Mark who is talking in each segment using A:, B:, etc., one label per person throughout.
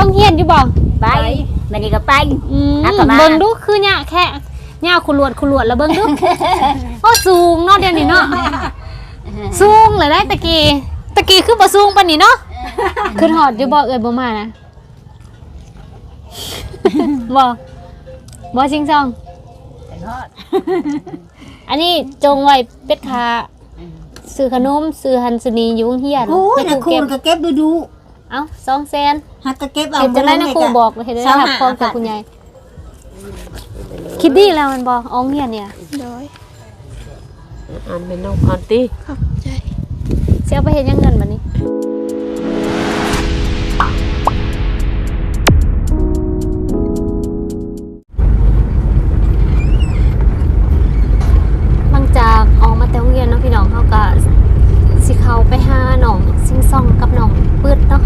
A: ต้องเฮียนอยู่บ่
B: ไปมันนี่ก็ไป
A: เบิ่งดูคือหญ้าแค่หญ้าขุลวดแล้วเบิ่งดูโอ้สูงเนาะเดี๋ยวนี้เนาะสูงเลยได้ตะกี้คือบ่สูงปานนี้เนาะขึ้นฮอดอยู่บ่เอ้ยบ่มานะบ่ชิงซองอันนี้จงไว้เป็ดขาซื้อขนมซื้อหันสนีอยู่เฮียน
B: โอ้ยนะครูก็เก็บดู
A: เอ้า200,000
B: ฮักก็เก็บเอา
A: เห็นจังได๋นะครูบอกเห็นได้รับพร้อมกับคุณยายคิดดีแล้วมันบ่อ้องเฮียนเนี่ยโดย
C: อ่านเป็นน้องอ่านติ
A: ขอบใจสิเอาไปเฮ็ดยังเงินบัดนี้จากออกมาแต่โรงเรียนเนาะพี่น้องเขาก็สิเข้าไปหาน้องซิงซองกับน้องปืดเนาะ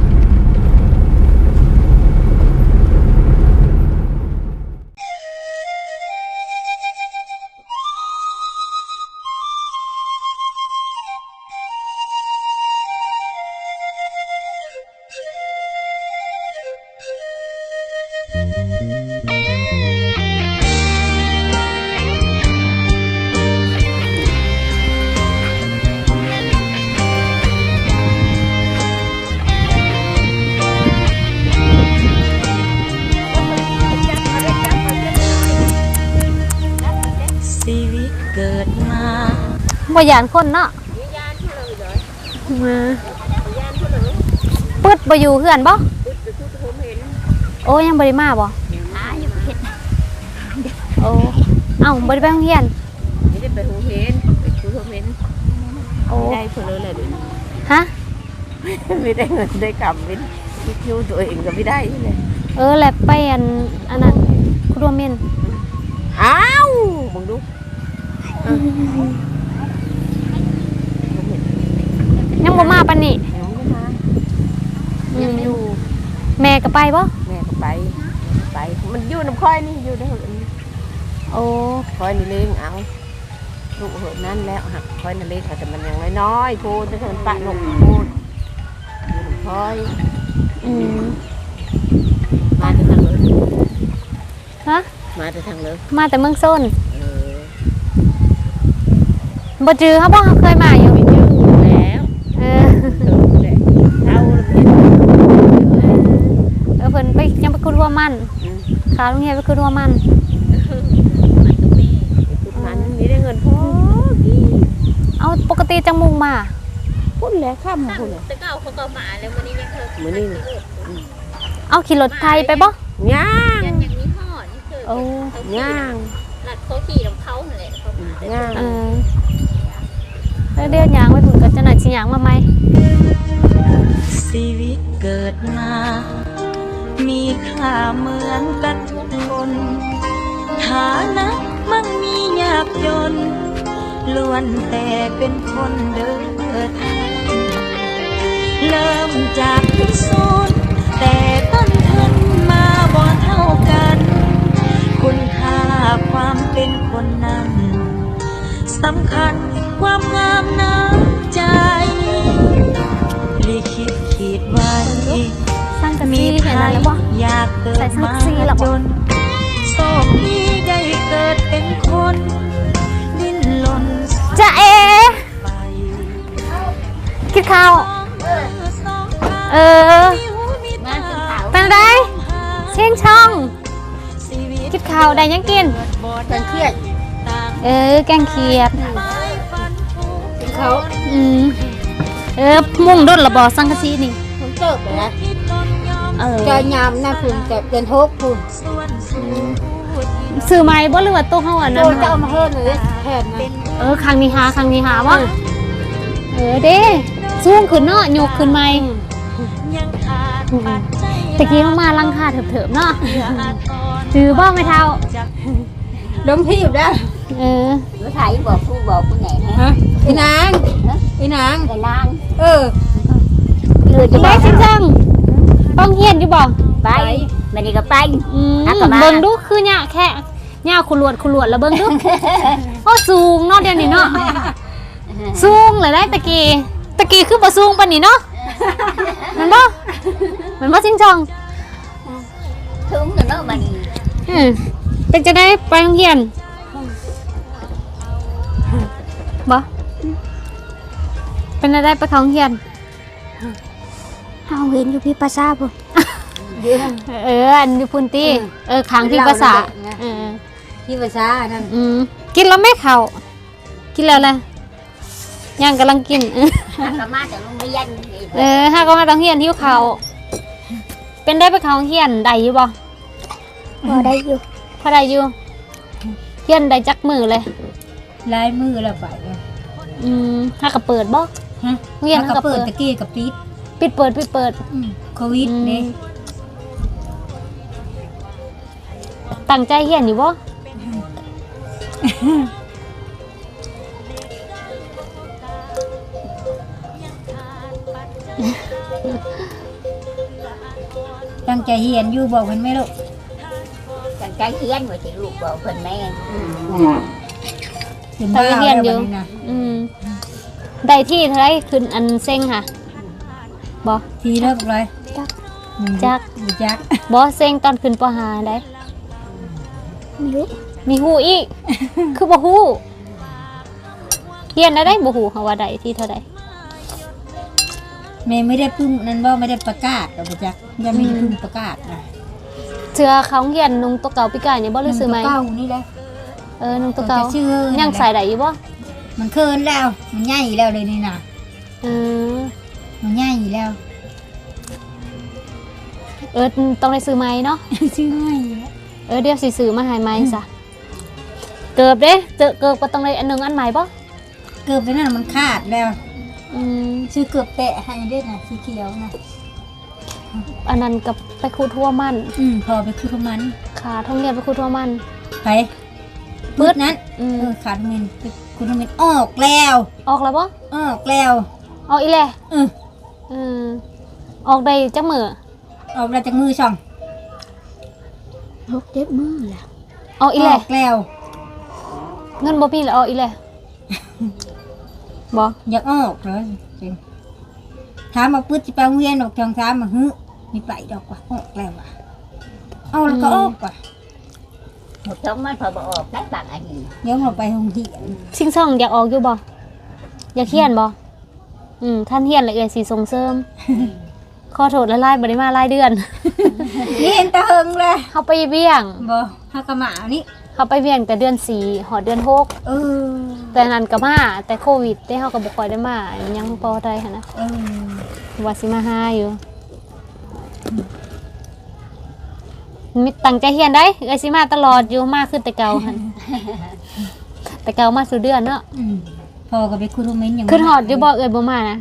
A: บ่ยานคนเนาะมาปึ๊ดบ่อยู่เฮือนบ่โอ้ยังบ่ได้มาบ่
B: อยู่เฮ็ด
A: โอ้เอ้าบ่ได้ไปโรงเรียน
C: ไม่ได้ไปโรงเรียนไปคุยโรงเรียนโอ้ได้เพิ่นเลยแหละ
A: ฮะ
C: ไม่ได้เงินได้กำเป็นคิวตัวเองก็ไม่ได้เลย
A: แหละไปอันนั้นคุโรเมน
C: อ้าวมึงดู
A: ยังบ่มาปานนี้
C: ยังอยู่
A: แม่ก็ไปบ่
C: แม่ก็ไปมันอยู่น้ำค่อยนี่อยู่ได้
A: โอ้
C: ค่อยนี่เลี้ยงเอาลูกเหอะนั่นแล้วหักค่อยนั่นเลี้ยงแต่มันยังน้อยๆพูดจะมันปะหนุ่มพูดอยู่น้ำค่อยมาแต่ทางเลย
A: ฮะ
C: มาแต่ทางเลย
A: มาแต่เมืองโซนบ่จือเขาบ่เคยมาอยู่
C: แล้ว
A: เพิ่นไปยังไปคุดหัวมันขาโรงเรียนไปคุดหัวมัน
C: มันนี่ได้เงินพอ
A: เอาปกติจังมุงมา
C: พุ่นแล้วข้ามพุ่น
B: แต่ก็เอาเขาก็มาแล้วมื้อนี้ยังเคย
C: มื้อนี้
A: เอาขี่รถไทยไปบ่
C: ย่าง
B: อย่างนี้ฮอดนี่คือ
A: โอ้
C: ย่าง
B: ลัดเขาขี่นำเขานั่นแหละเขามา
C: ย่าง
A: แล้วเดี๋ยวยางไว้ถึงก็จะหน่อยสิยางมาไหม
D: ชีวิตเกิดมามีค่าเหมือนกันทุกคนฐานะมั่งมียากจนล้วนแต่เป็นคนเดินทางเริ่มจากที่ศูนย์แต่ต้นทุนมาบ่เท่ากันคุณค่าความเป็นคนนั้นสำคัญความงามน้ำใจลิขิตขีดไว้
A: สร้างกันมีเห็นอะไรบ่
D: อยากเกิดมาจนโชคดีได้เกิดเป็นคนดิ้นรน
A: จะคิดข้าวเป็นไรเชียงช่องคิดข้าวได้ยังกิน
B: แกงเขียด
A: แกงเขียด
B: เขา
A: มุ่งดุดระบอสังกะสีนี่
B: ผมเติบนะจะยามน่าคุณแต่เป็นทกคุณ
A: ซื้อไม้บ่หรือว่าตู้เฮาอันนั้น
B: โตจะเอามาเฮ็ดเลยแทนนะ
A: ครั้งนี้หาบ่เด้สูงขึ้นเนาะยกขึ้นใหม่ตะกี้มาลังคาเถิบๆเนาะจือบ่แม่เฒ่า
B: ล้มพี่อยู่ได้
A: รู้
B: ถ่ายบอกผู้ไหนฮะไอ้นาง
A: ไปจังต้องเฮียนอยู่บ่
B: ไปมันนี่ก็ไป
A: เบิ่งดูคือหญ้าแค่หญ้าขุลวดแล้วเบิ่งดูโอ้สูงเนาะเดี๋ยวนี้เนาะสูงเลยได้ตะกี้คือบ่สูงปานนี้เนาะมันบ่ชิงช่อง
B: ทุ่งเนาะมัน
A: เป็นจะได้ไปโรงเรียนบ่เป็นจะได้ไปเข้าโรงเรียน
B: เฮาเห็นอยู่พี่ภาษาบ่
A: อันอยู่พุ่นตี้ขังที่ภาษาอ
B: พี่ภาษานั่น
A: กินแล้วไม่เข้ากินแล้วแหละยังกำลังกิน
B: ก็มาจากโรงเรียน
A: ถ้าก็มาต้องเรียนที่เขาเป็นได้ไปเข้าโรงเรียนได้อยู่บ่
B: บ่ได้อยู่
A: พอได้อยู่เรียนได้จักมือเลย
B: ลายมือแล้วไป
A: ถ้าก็เปิดบ่
B: ฮะ
A: เรียน
B: ก็
A: ก็
B: เปิ
A: เปิ
B: ด
A: ด
B: ตะกี้กับปิด
A: ปิดเปิด
B: โควิดนี่
A: ตั้งใจเรียนอยู่บ่
B: ตั้งใจเรียนอยู่บอกเพิ่นไหมลูก
E: ตั้งใจเรียนว่าสิลูกบอกเพิ่นแม่
A: ตั้งใจเรียนอยู่ได้ที่เท่าไรขึ้นอันเซ็งค่ะบ่
B: ทีเลิกเลย
A: จัก
B: จัก
A: บ่เซ็งตอนขึ้นปหาได้ มีฮู้อีก คือบ่ฮู้เรียนได้บ่ฮู้เขาว่าได้ที่เท่าใด
B: แม่ไม่ได้พึ่งนั่นว่าไม่ได้ประกาศหรอกจักยังไม่ได้พึ่งประกาศนะ
A: เชื่อเขาเรียนนุ่งตัวเก่าปีกายนี่บ่รู้สึกไหม
B: เก่านี่แหละ
A: นุ่งตัวเก่า
B: ชื่อ
A: ยังใส่ได้อยู่บ่
B: มันเคินแล้วมันใหญ่แล้วเลยนี่นะ มันใหญ่แล้ว
A: ต้องได้ซื้อไหมเนาะ
B: ชื่อใหญ่
A: เดี๋ยวสิซื้อมาให้ไหมซะเกิบเด้เกิบก็ต้องได้อันนึงอันใหม่บ่
B: เกือบไปนั่นมันขาดแล้วชื่อเกือบแตะให้ได้นะสีเขียวนะ
A: อันนั้นกับไปคูทั่วมัน
B: พอไปคือประมาณ
A: ขาท่องเรียนไปคูทั่วมัน
B: ไปมืดนั้นขาดเงินคุณเงินออกแล้ว
A: ออกแล้วบ่
B: ออกแล้ว
A: ออกอีแหละออกได้จักมื้อ
B: ออกแล้วจากมือช่อง
A: 6 7มื้อแล้วออกอีแหละ
B: ออกแล้ว
A: เงินบ่มีแล้วออกอีแหละบ่
B: อยากออกเลยจริงถามมาปื้ดจะไปโรงเรียนออกทางถามมามีไปดอกว่าออกแล้วว่ะเอาแล้วก็ออกว่ะ
E: หมดท้องมันพอบ่ออกได้บางอันนี้
B: เดี๋ยวเราไปโรงเรียน
A: ชิงช่องอยากออกอยู่บ่อยากเรียนบ่ท่านเรียนเลยสิส่งเสริมขอโทษละลายบ่ได้มาหลายเดือน
B: เรียนตะเฮงเลย
A: เขาไปเวียง
B: บ่ฮักกะหมานี่
A: เขาไปเวียงแต่เดือน4หอดเดือน6แต่นั้นก็มาแต่โควิดได้เฮาก็บ่ค่อยได้มายังพอได้หั่นนะว่าสิมาหาอยู่มีตั้งใจเรียนได้สิมาตลอดอยู่มาขึ้นแต่เก่าหั่น แต่เก่ามาสู่เดือนเนาะ
B: พอกับไปคุยโรงเรียนอย่าง
A: ขึ้นหอดอยู่บ่บ่มานะ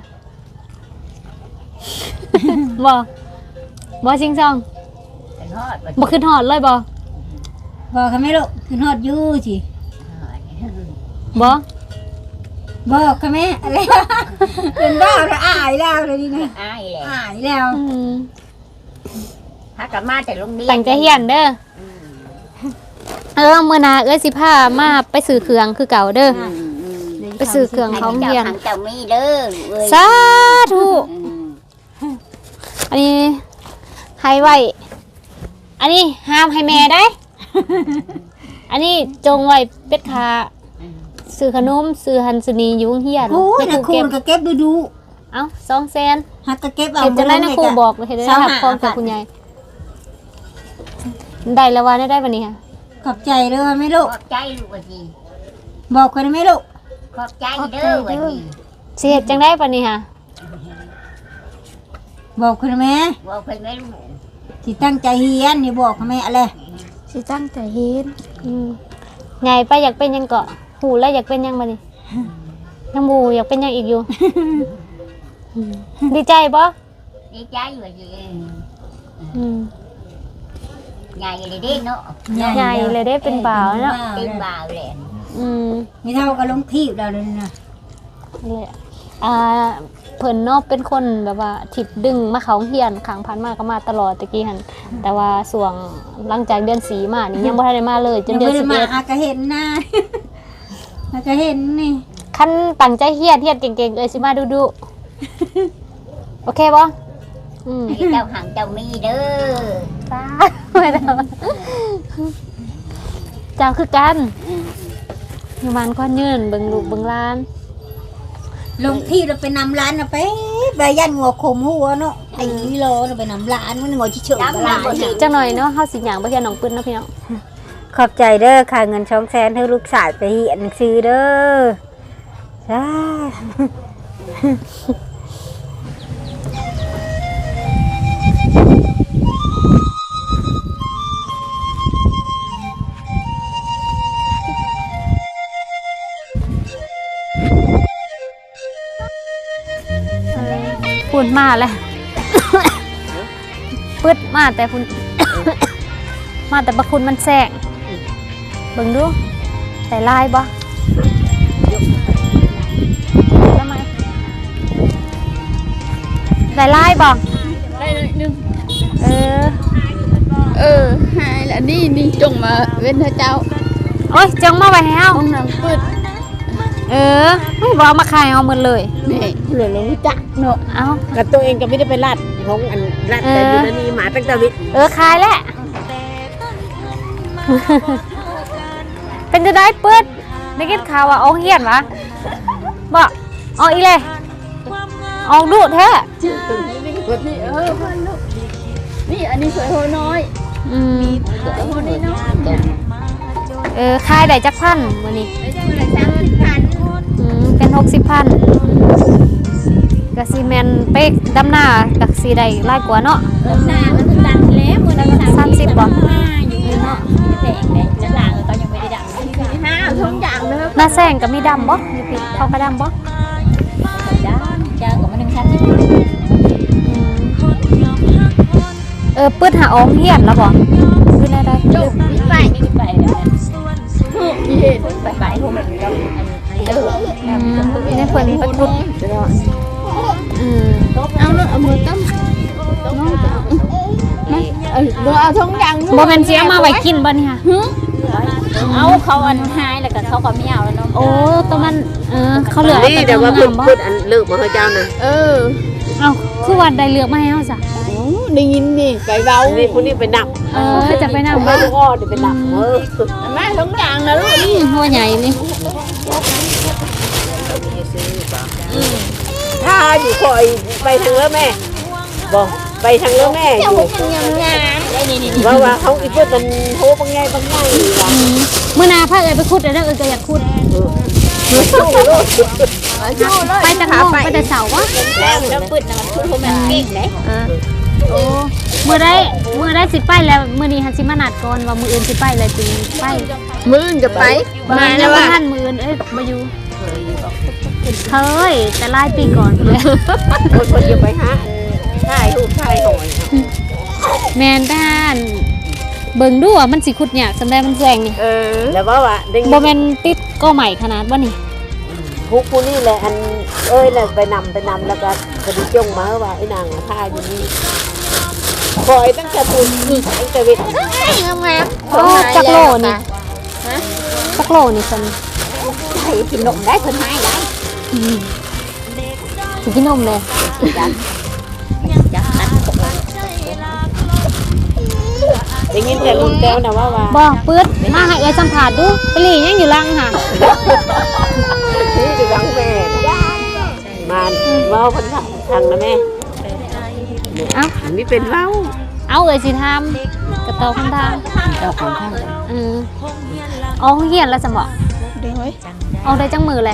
A: บ่ชิงช่อง
E: เป็นฮอดว่า
A: บ่ขึ้นหอดเลยบ่
B: บอกค่ะแม่ลูกขึ้นฮอดอยู่สิ
A: บ่
B: บอกค่ะแม่อะไร เป็นบ้าแล้วอายแล้วเลยนี่นะ
E: อายแหละ
B: อายแล้ว
E: ถ้ากลับมาแต่โรงเรียน
A: ตั้งใจเรียนเด้อมื้อหน้าสิพามาไปซื้อเครื่องคือเก่าเด้อไปซื้อเครื่องของเรียน
E: ทางเจ้ามีเด้อเอ้ย
A: สาธุอันนี้ให้ไว้ อันนี้ห้ามให้แม่ได้ อันนี้จงไว้เป็ดขาซื้อขนมซื้อหันสนีอยู่โรงเรียน
B: โอ้ยนะครู
A: เก็บ
B: ก็เก็บดู
A: เอ้า200,000
B: ฮักก็เก็บเอา
A: เห็นจะได้นะครูบอกเลยเห็นได้รับพร้อมกับคุณยายได้แล้วว่าได้วันนี้ค่ะ
B: ขอบใจเด้อแม่ลูก
E: ขอบใจลูกว่าสิ
B: บอกคนแม่ลูก
E: ขอบใจเด้อว่าสิ
A: สิเฮ็ดจังได้วันนี้ค่ะ
B: บอกคนแม่
E: บอกเพิ่นแม่ลูก
B: สิตั้งใจเรียนนี่บอกค่ะแม่อะไร
A: สิตั้งใจเฮ็ดไงไปอยากเป็นยังเกาะหูแล้วอยากเป็นยังบัดนี้ยังหมู่อยากเป็นยังอีกอยู่ ดีใจบ่
E: ดีใจว่าสิ
A: อืม
E: ใหญ่เลยเด้เนาะ
A: ใหญ่เลยได้เป็นบ่าวเนาะ
E: เป็นบ่าวแหละ
B: ไม่เท่ากับลงทีบเราเลยนะ
A: เลยเพิ่นเนาะเป็นคนแบบว่าทิดดึงมาเขาเฮียนขังพันมาก็มาตลอดตะกี้หั่นแต่ว่าส่วงหลังจากเดือน4มานี่ยังบ่ทันได้มาเลยจนเดือน
B: ยังไม่ได้มา
A: 11
B: อากะเห็นหน้า อากะเห็นนี่
A: คันตั้งใจเฮียนเก่งๆสิมาดูโอเคบ่
E: ให้เจ้าหังเจ้ามีเด้อ
A: ตาไม่ได้เจ้าคือกันอยู่บ้านก้อนยืนเบิ่งลูกเบิ่งหล้าน
B: ลงที่เราไปนำร้านเราไปใบยันงัวขมหัวเนาะไอ้โลเราไปนำร้านมันงัวเฉยๆร้าน
A: จังหน่อยเนาะเฮาสิหยังบ่เฮียนน้องปื้นเนาะพี่น้อง
B: ขอบใจเด้อค่ะเงิน200,000ให้ลูกสาวไปเรียนหนังสือเด้อจ้า
A: พูดมาแล้ว ปึดมาแต่พุ่น มาแต่บะคุณมันแสงเบิ่งดูแต่ลายบ่แล้วไหมได้ลายบ่
F: ได้เลยนึง
A: เออ
F: หายแล้วนี่จงมาเว้นเธอเจ้า
A: โอ้ยจังมาไว้ให้เฮา
F: ห้องน้ำเปิด
A: ไม่บอกมาขายเอาหมดเลย
F: นี่เหลือเรารู้จักเนาะ
A: เอา
C: กับตัวเองก็ไม่ได้ไปรัดของอันรัดแต่อยู่ในนี้หมาตั้งแต่วิ
A: ขายแล้ว เป็นจะได้ปืดได้กินข่าวว่าออกเฮียนวะบ่ออกอีเลยออกดูแท้
F: นี่พันลูกนี่อันนี้สวยโหน้อย
A: อืม
F: สวยโหน้อยน้อย
A: ขายได้จักพันมื้อนี้
F: ไม่ได้เลย30,000
A: เป็น60,000กะสิแม่นเป๊กดำหน้ากะสิได้หลายกว่าเนาะ
F: หน้ามันดังแล้วมื้อนี้
A: 30บ่
F: อยู่เนาะแดงเลยแล้วหลังก็ยังไม่ได้ดังที่5ทุกอย่างเลย
A: หน้าแซงก็มีดำบ่อยู่พี่เขาก็ดำบ่
F: จ้าของมัน1,000
A: ปืดหาออกเฮียนแล้วบ่คือได้
F: จบนี่ไปแล้วนี่เห็นไปพวกมันก็
A: ในเพิ่นไปพุด
F: เอาเนาะเอามือตั้มเอาท้องยัง
A: บ่แม่นสิเอามาไว้กินบ่นี่ค่ะ
F: เอาเขาอันหายแล้วก็เขาก็ไม่เอาแล้วเนาะ
A: โอ้ตัวมันเขาเหลือ
C: นี่เดี๋ยวว่าพูดอันเลิกมาให้เจ้านะ
A: เอาคือว่าได้เลือกมาให้เฮาซะ
F: ได้ยินนี่ไปเบา
C: นี่คนนี้ไปนับ
A: จะไปนำ
C: ไม่
A: บ่
C: ก็เดี๋ยวไปนับสุด
F: แม่ท้องยังนะลูกนี่
A: หัวใหญ่นี่
C: ถ้าอยู่คอยไปทางเลือแม่บอกไปทางเลือแม่อยู่
F: งามนี่
C: ว่าเขาอีกเพื่อนมันโหบางไงว่ะ
A: มื้อหน้าพาเอ้ยไปขุดเด้อก็อยากขุดไปแต่โมงไปแต่เสาร์วะ
F: แล้วปืดนะมันคือมันเก่งเลย
A: โอ้มื้อได้สิไปแล้วมื้อนี้หันสิมานัดก่อนว่ามื้ออื่นสิไปแล้วจึงไป
F: มื้อจะไป
A: มาแล้วว่าท่านมื้ออื่นบ่อยู่เคยแต่หลายปีก่อนเลย
C: คนจะไปหาถ่ายรูปถ่ายหอย
A: แม่นด้านเบิ่งดูว่ามันสิขุดยากสำได้มันแซงนี่
C: แล้วว่าเด้ง
A: บ่แม่นติดก็ใหม่ขนาดบ่นี่
C: ผู้นี่แหละอันเลยไปนำแล้วก็กระดิจงมาว่าไอ้นางท่าอยู่นี่คอยตั้งแต่ปุ่นตั้งแต่วิทย์
A: โอ้จักโลนี่จักโลนี่ซั่น
F: ให้กินนมได้คนให้ได้
A: สิกินนมเลย
C: ได้ยินแต่ลุงแก้วนะว่า
A: บ่ปื๊ดมาให้เอ้ยสัมภาษณ์ดูไปหลียังอยู่ลังค่ะ
C: นี่จะรังแม่มาว่าพันทางนะแม่
A: เอ้า
C: นี่เป็นเว้า
A: เอาเอ้ยสิทำกระตอคันทาง
C: เจ้าของข้าง
A: ออกเฮียนแล้วสมบ่
F: เดี๋ยวเฮ้ย
A: ออกได้จังมือเลย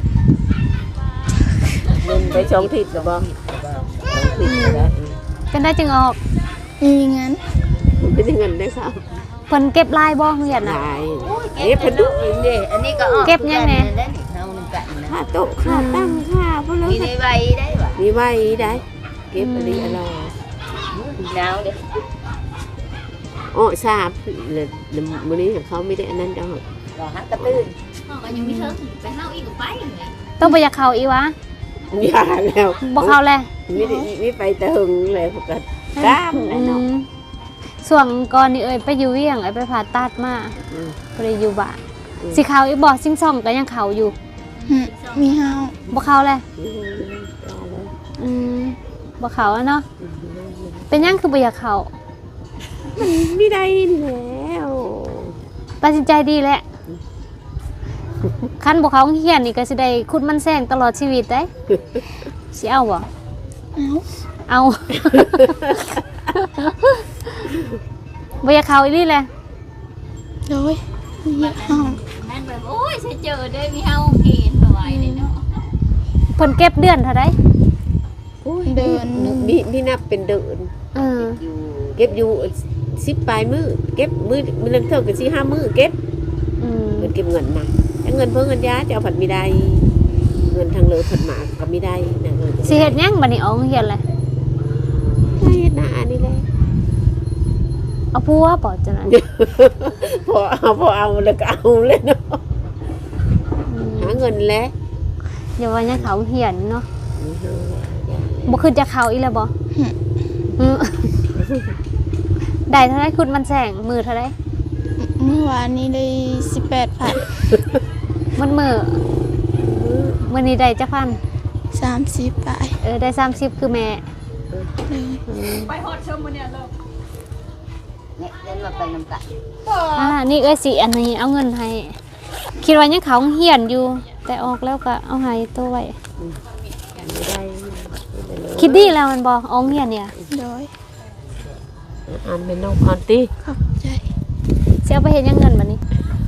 C: เงินไปช่องทิศหรือบ่ช่องทิศแล้ว
A: เป็นได้จึงออก
F: งั้น
C: เป็นเงินได้ครับ
A: เพิ่นเก็บลายบ่เฮียนน่ะ
C: นายพดุ
E: นี่อันนี้ก็
A: เก็บยังไง
E: เฮานึงกันนะ
C: ค่าโต๊ะค่าตั้งค่าพวกเรา
E: มีในใบได้ป่ะ
C: มีไว้ได้เก็บอะไรอะไร
E: หนาวเด้
C: โอ้ทราบเลยมื้อนี้เขาไม่ได้อันนั้นดอก
E: ก็ฮักกระตื้นก็ยังมีเถิงไปเฮาอีกก็ไปไง
A: ต้องไปอยากเข้าอีวะ
C: อย่าแล้ว
A: บ่เข้าแล
C: มีไปแต่หึงเลยพวกกันตามแล้วเนาะ
A: ส่วนก่อนนี่เอ้ยไปอยู่เวียงเอ้ยไปผ่าตัดมาบ่ได้อยู่บ้านสิเข้าอีบ่ซิงซ่องก็ยังเข้าอยู่
F: มีเฮา
A: บ่เข้าแลบ่เข้าแล้วเนาะเป็นหยังคือบ่อยากเข้า
C: ไม่ได้แล้ว
A: ไปตัดสินใจดีแหละคันบ่เขาโรงเรียนนี่ก็สิได้คุดมันแซงตลอดชีวิตได้สิเอาบ่เอาบ่อยากเข้าอีหลีแหละ
F: โดยอยากห้อง
E: แม่นแบบโอ้ยใส่เจอเด้อมีเฮาเห็นบ่ไหวเลยเนาะ
A: เพิ่นเก็บเดือนเท่าใด
F: เดินหนึ่ง
C: มีนับเป็นเดือน
A: เออ
C: เก็บอยู่10ปลายมือเก็บมือนึงเท่ากับ4-5มื้อเก็บ
A: อืม
C: เงินเก็บเงินมาแต่เงินเพิ่งเงินยาจะเอาผัดไม่ได้เงินทางเลยผัดหมากก็ไม่ได้นะเงิน
A: สิเฮ็ดหยังบัดนี้ออกโรงเรียนเลย
C: ไม่เฮ็ดหน้าอันนี้เลย
A: เอาผัวบ่จังนั้น
C: พอเอาแล้วก็เอาเลยเนาะหาเงินแล้ว
A: อย่าว่ายังเข้าโรงเรียนเนาะบ่คือจะเข้าอีแล้วบ่อืมได้เท่าไรคุณมันแสงมือเท่าไร
F: เมื่อวานนี้ได้18,000
A: มันมือมื้อนี้ได้จักพัน
F: 30 บาท
A: ได้30คือแม่
E: เนี่ยเดินมาไปนำกัน
A: นี่เอ้ยสิอันนี้เอาเงินให้คิดว่ายังเขาเหียนอยู่ แต่ออกแล้วก็เอาให้ตัวไว้
C: ไม่ได้
A: คิดดีแล้วมันบ่ออกเหียนเนี่ย
F: โดย
C: อ่านเป็นน้องอ่านตี
F: ขอบใจ
A: สิเอาไปเฮ็ดหยังเงินบัดนี้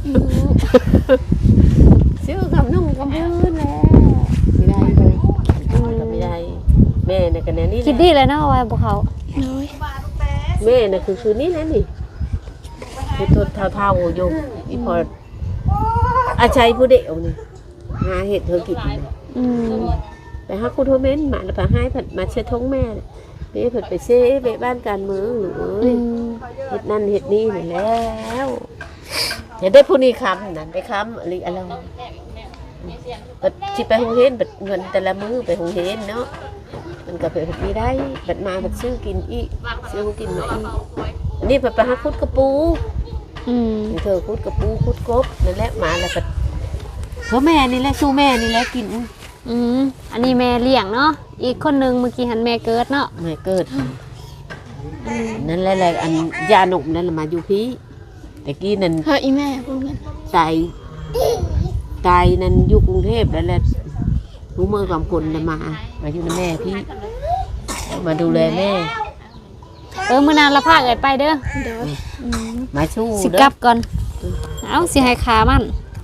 C: ซื้อกับนุ่งกับพื้นแล้วไม่ได้เลยก็ไม่ได้แม่เนี่ยกันแน่นี่
A: คิดดีเลยเนาะว่าบ่เขา
F: โดย
C: แม่น่ะคือนี่นะนี่คือตัวเท่าๆอยู่อีพออาชัยผู้เดียวนี่หาเห็ดเธอกิน
A: อืม
C: ไปหาคุณโทเมนมาแล้วไปให้ผัดมาเช็ดท้องแม่นี่ผัดไปเซ่ไปบ้านการเมืองหรือ
A: อืม
C: เห็ดนั่นเห็ดนี่นี่แล้วเห็นได้ผู้นี้ค้ำนั่นไปค้ำอะไรอะไรบัดที่ไปหงเฮนบัดเงินแต่ละมื้อไปหงเฮนเนาะมันก็ไปผัดมีได้บัดมาบัดซื้อกินอีกซื้อกินมาอีกอันนี้ผัดไปหาคุดกระปู
A: อืม
C: เธอคุดกระปูคุดกบนั่นแหละมาแล้วก็เพราะแม่นี่แหละสู้แม่นี่แหละกิน
A: อืมอันนี้แม่เลี้ยงเนาะอีกคนนึงเมื่อกี้หันแม่เกิดเนาะ
C: แม่เกิดนั่นแหละอันยาหนุ่มนั่นแหละมาอยู่พี่แต่กี้นั่น
F: เฮ้ยอีแม่พูดกัน
C: ตายนั่นอยู่กรุงเทพแล้วแหละรู้มือกับคนน่ะมาอยู่ในแม่พี่มาดูแลแม่
A: มื้อนานละพาเอิดไปเด้อ
F: โดย
C: มาสู้
A: สิ
C: เด้
A: กลั
C: อบ
A: ก่อนเอาสิให้ขามัน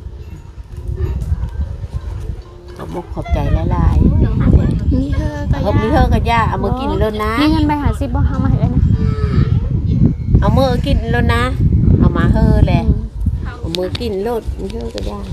C: ขอบขอบใจหลาย
F: มีเธอก็
C: ๆเขามีเธอกับย่าเอามือกินแล้วนะ
A: มีเงินไปหา10บ่เอามาให้เอ้ยนะ
C: เอามือกินแล้วนะเอามาเฮอแหละเอามือกินโลดมีเธอกับย่า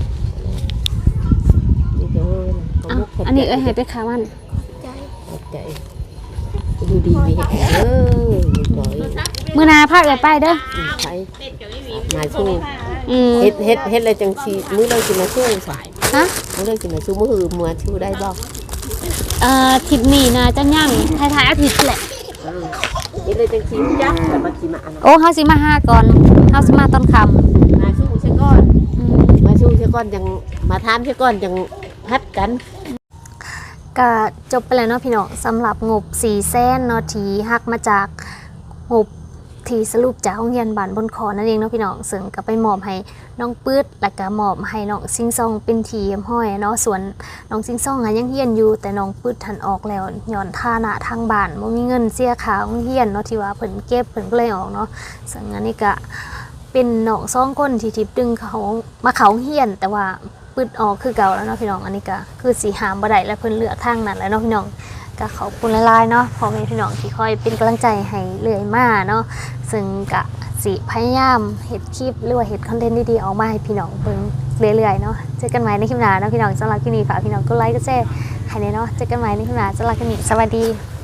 C: มีเธอขอบขอบใจ
A: อันนี้เอ้ยให้ไปขามัน
C: ขอบใจดูดีมีเห็นก่อย
A: มื้อหนาพาเอิดไปเด้อ
C: ใช้มาสู้
A: อืม
C: เฮ็ดอะไรจังสีมื้อเลยกินมาสู้สาย
A: ฮะ
C: มื้อเลยกินมาสู้มื้อหือมือชูได้บ่
A: ทิศนี้นะจะย่างท้ายๆอาทิตย์แหละ
C: เฮ็ดเลยจังสีจักแต่บ่สิมาอัน
A: โอ้เฮาสิมาหาก่อนเฮาสิมาตอนค่ำ
C: มาสู้ซะก่อนมาสู้ซะก่อนจังมาถามซะก่อนจังพัดกัน
A: ก็จบไปแล้วเนาะพี่น้องสำหรับงบ400,000เนาะที่หักมาจากงบที่สรุปจากโรงเรียนบ้านบนขอนั่นเองเนาะพี่น้องซึ่งก็ไปมอบให้น้องปื๊ดแล้วก็มอบให้น้องซิงซองเป็นทีมห้อยเนาะส่วนน้องซิงซองยังเรียนอยู่แต่น้องปื๊ดทันออกแล้วย้อนฐานะทางบ้านบ่มีเงินเสียค่าโรงเรียนเนาะที่ว่าเพิ่นเก็บเพิ่นก็เลยออกเนาะซึ่งอันนี้ก็เป็นน้อง2คนที่ทิพดึงเขามาเขาโรงเรียนแต่ว่าปื๊ดออกคือเก่าแล้วเนาะพี่น้องอันนี้ก็คือสิหามบ่ได้แล้วเพิ่นเลือกทางนั้นแล้วเนาะพี่น้องก็ขอบคุณหลายๆเนาะพ่อแม่พี่น้องที่คอยเป็นกำลังใจให้เรื่อยมาเนาะซึ่งก็สิพยายามเฮ็ดคลิปหรือว่าเฮ็ดคอนเทนต์ดีๆออกมาให้พี่น้องเบิ่งเรื่อยๆเนาะเจอกันใหม่ในคลิปหน้าเนาะพี่น้องสำหรับคลิปนี้ฝากพี่น้องกดไลค์กดแชร์ให้แน่เนาะเจอกันใหม่ในคลิปหน้าสำหรับคลิปนี้สวัสดี